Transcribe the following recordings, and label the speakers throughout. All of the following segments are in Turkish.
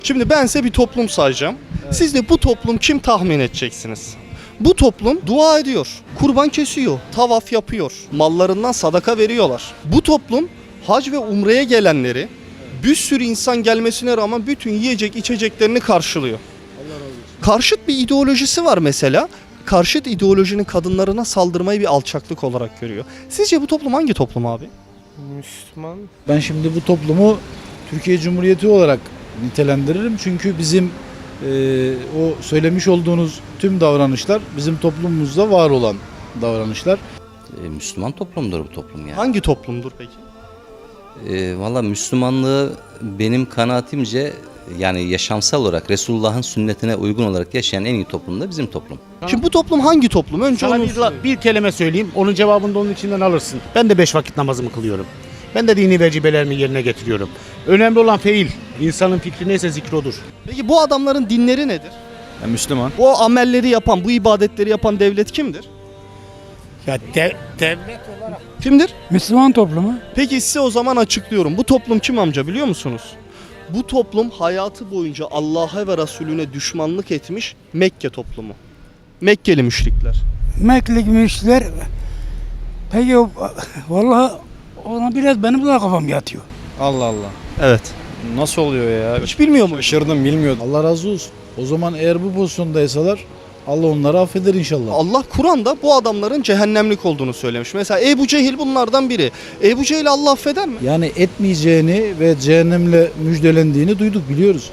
Speaker 1: Şimdi ben size bir toplum sayacağım. Evet. Siz de bu toplum kim tahmin edeceksiniz? Bu toplum dua ediyor, kurban kesiyor, tavaf yapıyor, mallarından sadaka veriyorlar. Bu toplum hac ve umreye gelenleri bir sürü insan gelmesine rağmen bütün yiyecek içeceklerini karşılıyor. Allah razı olsun. Karşıt bir ideolojisi var mesela. Karşıt ideolojinin kadınlarına saldırmayı bir alçaklık olarak görüyor. Sizce bu toplum hangi toplum abi?
Speaker 2: Müslüman.
Speaker 3: Ben şimdi bu toplumu Türkiye Cumhuriyeti olarak nitelendiririm. Çünkü bizim o söylemiş olduğunuz tüm davranışlar bizim toplumumuzda var olan davranışlar.
Speaker 4: Müslüman toplumdur bu toplum yani.
Speaker 1: Hangi toplumdur peki?
Speaker 4: Valla Müslümanlığı benim kanaatimce yani yaşamsal olarak Resulullah'ın sünnetine uygun olarak yaşayan en iyi toplum da bizim toplum.
Speaker 1: Şimdi bu toplum hangi toplum? Önce
Speaker 2: Sana
Speaker 1: onu
Speaker 2: bir kelime söyleyeyim. Onun cevabını da onun içinden alırsın. Ben de 5 vakit namazımı kılıyorum. Ben de dini vecibelerimi yerine getiriyorum. Önemli olan fiil. İnsanın fikri neyse zikri odur.
Speaker 1: Peki bu adamların dinleri nedir?
Speaker 3: Müslüman.
Speaker 1: Bu amelleri yapan, bu ibadetleri yapan devlet kimdir?
Speaker 2: Ya devlet olarak.
Speaker 1: Kimdir?
Speaker 5: Müslüman toplumu.
Speaker 1: Peki size o zaman açıklıyorum. Bu toplum kim amca biliyor musunuz? Bu toplum hayatı boyunca Allah'a ve Resulüne düşmanlık etmiş Mekke toplumu. Mekkeli müşrikler.
Speaker 5: Mekke'li müşrikler. Peki vallahi ona biraz benim de kafam yatıyor.
Speaker 3: Allah Allah.
Speaker 1: Evet.
Speaker 3: Nasıl oluyor ya?
Speaker 1: Hiç bilmiyor mu?
Speaker 3: Şaşırdım, bilmiyordum. Allah razı olsun. O zaman eğer bu pozisyondaysalar Allah onları affeder inşallah.
Speaker 1: Allah Kur'an'da bu adamların cehennemlik olduğunu söylemiş. Mesela Ebu Cehil bunlardan biri. Ebu Cehil Allah affeder mi?
Speaker 3: Yani etmeyeceğini ve cehennemle müjdelendiğini duyduk, biliyoruz.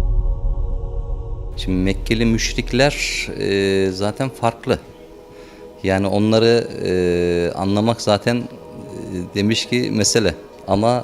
Speaker 4: Şimdi Mekkeli müşrikler zaten farklı. Yani onları anlamak zaten demiş ki mesele. Ama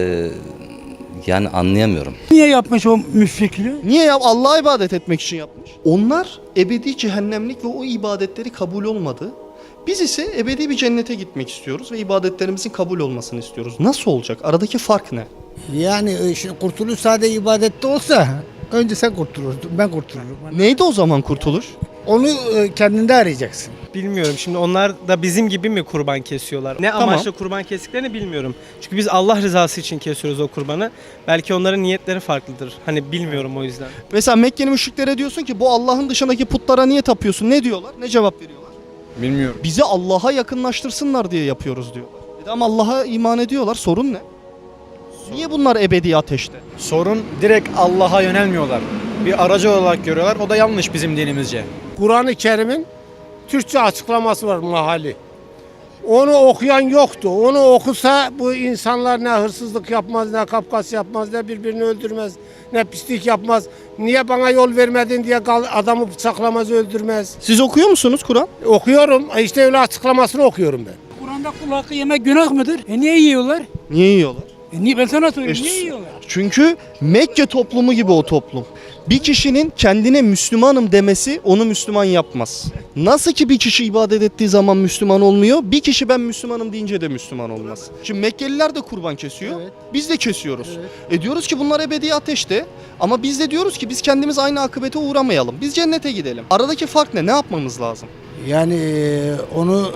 Speaker 4: yani anlayamıyorum.
Speaker 5: Niye yapmış o müşrikliği?
Speaker 1: Niye ya? Allah'a ibadet etmek için yapmış. Onlar ebedi cehennemlik ve o ibadetleri kabul olmadı. Biz ise ebedi bir cennete gitmek istiyoruz ve ibadetlerimizin kabul olmasını istiyoruz. Nasıl olacak? Aradaki fark ne?
Speaker 6: Yani kurtuluş sadece ibadette olsa önce sen kurtulurdun, ben kurtulurum.
Speaker 1: Neydi o zaman kurtuluş?
Speaker 6: Onu kendinde arayacaksın.
Speaker 2: Bilmiyorum. Şimdi onlar da bizim gibi mi kurban kesiyorlar? Ne
Speaker 1: Tamam.
Speaker 2: amaçla kurban kestiklerini bilmiyorum. Çünkü biz Allah rızası için kesiyoruz o kurbanı. Belki onların niyetleri farklıdır. Hani bilmiyorum o yüzden.
Speaker 1: Mesela Mekkeli müşriklere diyorsun ki bu Allah'ın dışındaki putlara niye tapıyorsun? Ne diyorlar? Ne cevap veriyorlar?
Speaker 3: Bilmiyorum.
Speaker 1: Bizi Allah'a yakınlaştırsınlar diye yapıyoruz diyorlar. Ama Allah'a iman ediyorlar. Sorun ne? Niye bunlar ebedi ateşte?
Speaker 7: Sorun direkt Allah'a yönelmiyorlar. Bir aracı olarak görüyorlar. O da yanlış bizim dinimizce.
Speaker 8: Kur'an-ı Kerim'in Türkçe açıklaması var mahalli. Onu okuyan yoktu. Onu okusa bu insanlar ne hırsızlık yapmaz, ne kapkas yapmaz, ne birbirini öldürmez, ne pislik yapmaz. Niye bana yol vermedin diye adamı bıçaklamaz, öldürmez.
Speaker 1: Siz okuyor musunuz Kur'an?
Speaker 8: Okuyorum. İşte öyle açıklamasını okuyorum ben.
Speaker 5: Kur'an'da kul hakkı yemek günah mıdır? Niye yiyorlar?
Speaker 1: Niye yiyorlar?
Speaker 5: Niye ben sana söyleyeyim, niye yiyorlar?
Speaker 1: Çünkü Mekke toplumu gibi o toplum. Bir kişinin kendine Müslümanım demesi onu Müslüman yapmaz. Nasıl ki bir kişi ibadet ettiği zaman Müslüman olmuyor, bir kişi ben Müslümanım deyince de Müslüman olmaz. Şimdi Mekkeliler de kurban kesiyor, biz de kesiyoruz. Diyoruz ki bunlar ebedi ateşte ama biz de diyoruz ki biz kendimiz aynı akıbete uğramayalım. Biz cennete gidelim. Aradaki fark ne? Ne yapmamız lazım?
Speaker 6: Yani onu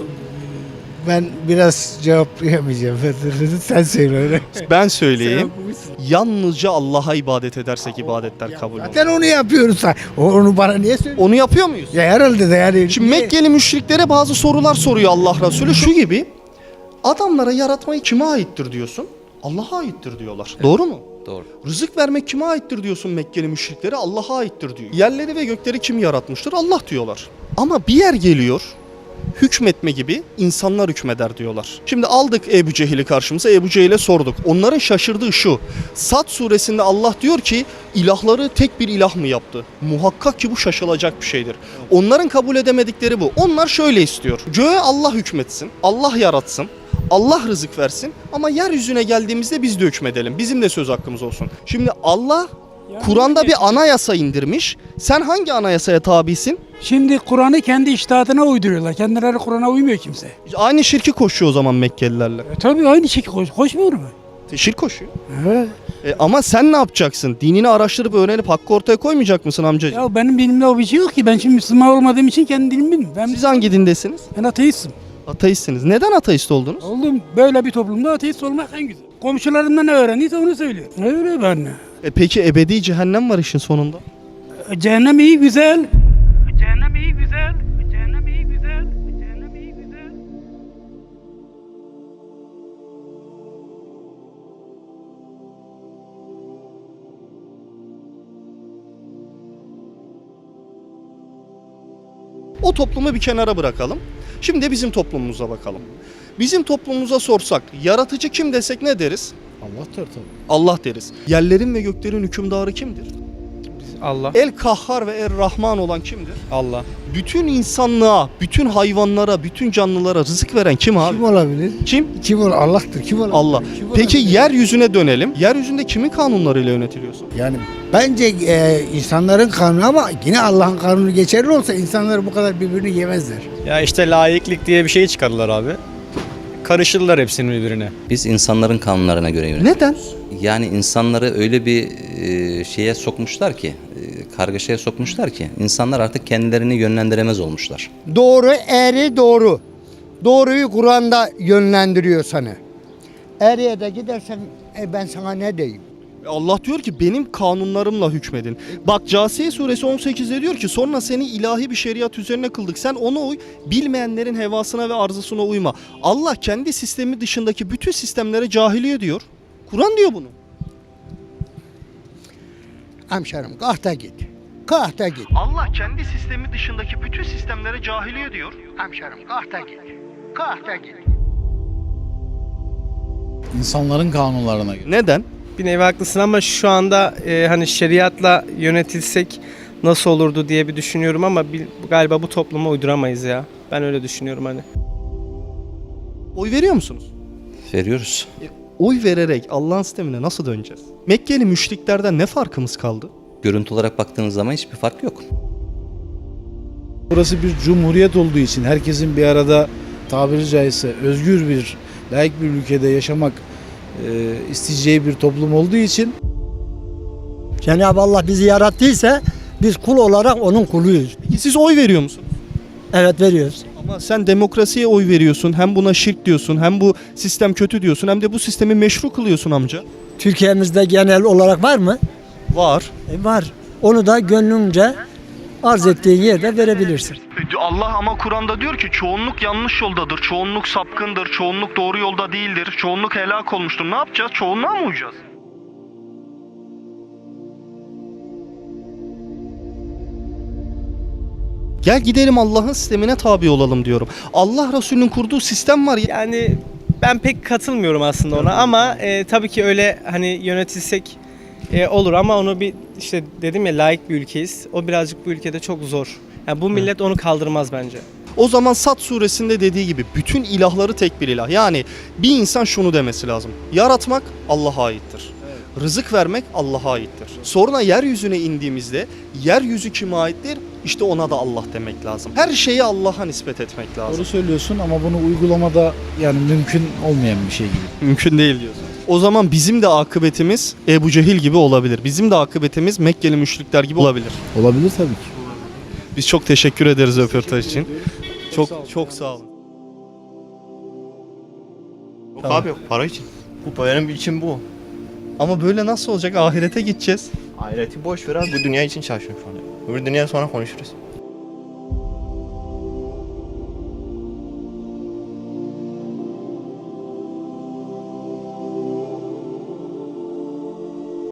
Speaker 6: ben biraz cevaplayamayacağım. Sen söyle öyle.
Speaker 1: Ben söyleyeyim. Yalnızca Allah'a ibadet edersek ibadetler kabul olur.
Speaker 6: Zaten onu yapıyoruz. Onu bana niye söylüyorsun?
Speaker 1: Onu yapıyor muyuz?
Speaker 6: Ya herhalde de yani.
Speaker 1: Şimdi Mekkeli müşriklere bazı sorular soruyor Allah Resulü. Şu gibi, adamlara yaratmayı kime aittir diyorsun? Allah'a aittir diyorlar. Doğru mu?
Speaker 4: Doğru.
Speaker 1: Rızık vermek kime aittir diyorsun Mekkeli müşriklere? Allah'a aittir diyor. Yerleri ve gökleri kim yaratmıştır? Allah diyorlar. Ama bir yer geliyor, hükmetme gibi insanlar hükmeder diyorlar. Şimdi aldık Ebu Cehil'i karşımıza, Ebu Cehil'e sorduk. Onların şaşırdığı şu: Sad suresinde Allah diyor ki ilahları tek bir ilah mı yaptı? Muhakkak ki bu şaşılacak bir şeydir. Onların kabul edemedikleri bu. Onlar şöyle istiyor: göğe Allah hükmetsin, Allah yaratsın, Allah rızık versin ama yeryüzüne geldiğimizde biz de hükmedelim. Bizim de söz hakkımız olsun. Şimdi Allah Kur'an'da bir anayasa indirmiş. Sen hangi anayasaya tabisin?
Speaker 5: Şimdi Kur'an'ı kendi içtihatına uyduruyorlar. Kendileri Kur'an'a uymuyor kimse.
Speaker 1: Aynı şirki koşuyor o zaman Mekkelilerle.
Speaker 5: Tabii aynı şekilde koşmuyor mu?
Speaker 1: Şirk koşuyor.
Speaker 5: Evet.
Speaker 1: Ama sen ne yapacaksın? Dinini araştırıp öğrenip hakkı ortaya koymayacak mısın amcacığım?
Speaker 5: Ya benim dilimde o bir şey yok ki. Ben şimdi Müslüman olmadığım için kendi dilimi bilmiyorum.
Speaker 1: Siz hangi dindesiniz?
Speaker 5: Ben ateistim.
Speaker 1: Ateistsiniz. Neden ateist oldunuz?
Speaker 5: Oğlum böyle bir toplumda ateist olmak en güzel. Komşularımdan ne öğrendiyse onu söylüyor. Öyle ben.
Speaker 1: Peki ebedi cehennem var işin sonunda.
Speaker 5: Cehennem iyi güzel. Cehennem iyi güzel. Cehennem iyi güzel. Cehennem iyi güzel.
Speaker 1: O toplumu bir kenara bırakalım. Şimdi de bizim toplumumuza bakalım. Bizim toplumumuza sorsak yaratıcı kim desek ne deriz?
Speaker 3: Allah'tır tabii.
Speaker 1: Allah deriz. Yerlerin ve göklerin hükümdarı kimdir?
Speaker 7: Allah.
Speaker 1: El Kahhar ve El Rahman olan kimdir?
Speaker 7: Allah.
Speaker 1: Bütün insanlığa, bütün hayvanlara, bütün canlılara rızık veren kim abi?
Speaker 6: Kim olabilir?
Speaker 1: Kim?
Speaker 6: Kim ol? Allah'tır. Kim olabilir?
Speaker 1: Allah.
Speaker 6: Kim
Speaker 1: Peki
Speaker 6: olabilir?
Speaker 1: yeryüzüne dönelim. Yeryüzünde kimin kanunlarıyla yönetiliyorsun?
Speaker 6: Yani bence insanların kanunu ama yine Allah'ın kanunu geçerli olsa insanlar bu kadar birbirini yemezler.
Speaker 7: Ya işte laiklik diye bir şey çıkardılar abi. Karışırlar hepsini birbirine.
Speaker 4: Biz insanların kanunlarına göre yönetiyoruz.
Speaker 1: Neden?
Speaker 4: Yani insanları öyle bir şeye sokmuşlar ki, kargaşaya sokmuşlar ki insanlar artık kendilerini yönlendiremez olmuşlar.
Speaker 6: Doğru, eğri doğru. Doğruyu Kur'an'da yönlendiriyor sana. Eğriye de gidersen ben sana ne diyeyim?
Speaker 1: Allah diyor ki benim kanunlarımla hükmedin. Bak Câsiye suresi 18'de diyor ki sonra seni ilahi bir şeriat üzerine kıldık. Sen ona uy, bilmeyenlerin hevasına ve arzusuna uyma. Allah kendi sistemi dışındaki bütün sistemlere cahiliye diyor. Kur'an diyor bunu.
Speaker 6: Hemşerim kahta git. Kahta git.
Speaker 1: Allah kendi sistemi dışındaki bütün sistemlere cahiliye diyor.
Speaker 6: Hemşerim kahta git. Kahta git.
Speaker 3: İnsanların kanunlarına göre.
Speaker 1: Neden?
Speaker 9: Bir nevi haklısın ama şu anda hani şeriatla yönetilsek nasıl olurdu diye bir düşünüyorum ama galiba bu topluma uyduramayız ya. Ben öyle düşünüyorum hani.
Speaker 1: Oy veriyor musunuz?
Speaker 4: Veriyoruz.
Speaker 1: Oy vererek Allah'ın sistemine nasıl döneceğiz? Mekkeli müşriklerden ne farkımız kaldı?
Speaker 4: Görüntü olarak baktığınız zaman hiçbir fark yok.
Speaker 3: Burası bir cumhuriyet olduğu için herkesin bir arada tabiri caizse özgür bir, layık bir ülkede yaşamak isteyeceği bir toplum olduğu için
Speaker 6: Cenab-ı Allah bizi yarattıysa biz kul olarak onun kuluyuz.
Speaker 1: Peki siz oy veriyor musunuz?
Speaker 6: Evet veriyoruz.
Speaker 1: Ama sen demokrasiye oy veriyorsun, hem buna şirk diyorsun, hem bu sistem kötü diyorsun, hem de bu sistemi meşru kılıyorsun amca.
Speaker 6: Türkiye'mizde genel olarak var mı?
Speaker 1: Var.
Speaker 6: Var. Onu da gönlünce arz ettiğin yerde verebilirsin.
Speaker 1: Allah ama Kur'an'da diyor ki çoğunluk yanlış yoldadır, çoğunluk sapkındır, çoğunluk doğru yolda değildir, çoğunluk helak olmuştur. Ne yapacağız? Çoğunluğa mı uyacağız? Gel gidelim Allah'ın sistemine tabi olalım diyorum. Allah Resulü'nün kurduğu sistem var ya.
Speaker 9: Yani ben pek katılmıyorum aslında ona ama tabii ki öyle hani yönetilsek olur ama onu bir işte dedim ya layık bir ülkeyiz. O birazcık bu ülkede çok zor. Yani bu millet onu kaldırmaz bence.
Speaker 1: O zaman Sad suresinde dediği gibi bütün ilahları tek bir ilah. Yani bir insan şunu demesi lazım. Yaratmak Allah'a aittir. Rızık vermek Allah'a aittir. Sonra yeryüzüne indiğimizde yeryüzü kime aittir? İşte ona da Allah demek lazım. Her şeyi Allah'a nispet etmek lazım.
Speaker 3: doğru söylüyorsun ama bunu uygulamada yani mümkün olmayan bir şey gibi.
Speaker 1: Mümkün değil diyorsun. O zaman bizim de akıbetimiz Ebu Cehil gibi olabilir. Bizim de akıbetimiz Mekkeli müşrikler gibi olabilir.
Speaker 3: Olabilir tabii ki.
Speaker 1: Biz çok teşekkür ederiz röportaj için. Çok sağ olun.
Speaker 10: Yok abi yok para için. Bu benim için bu.
Speaker 1: Ama böyle nasıl olacak? Ahirete gideceğiz.
Speaker 10: Ahireti boş ver abi bu dünya için çalışıyorum şu an. Öbür dünya sonra konuşuruz.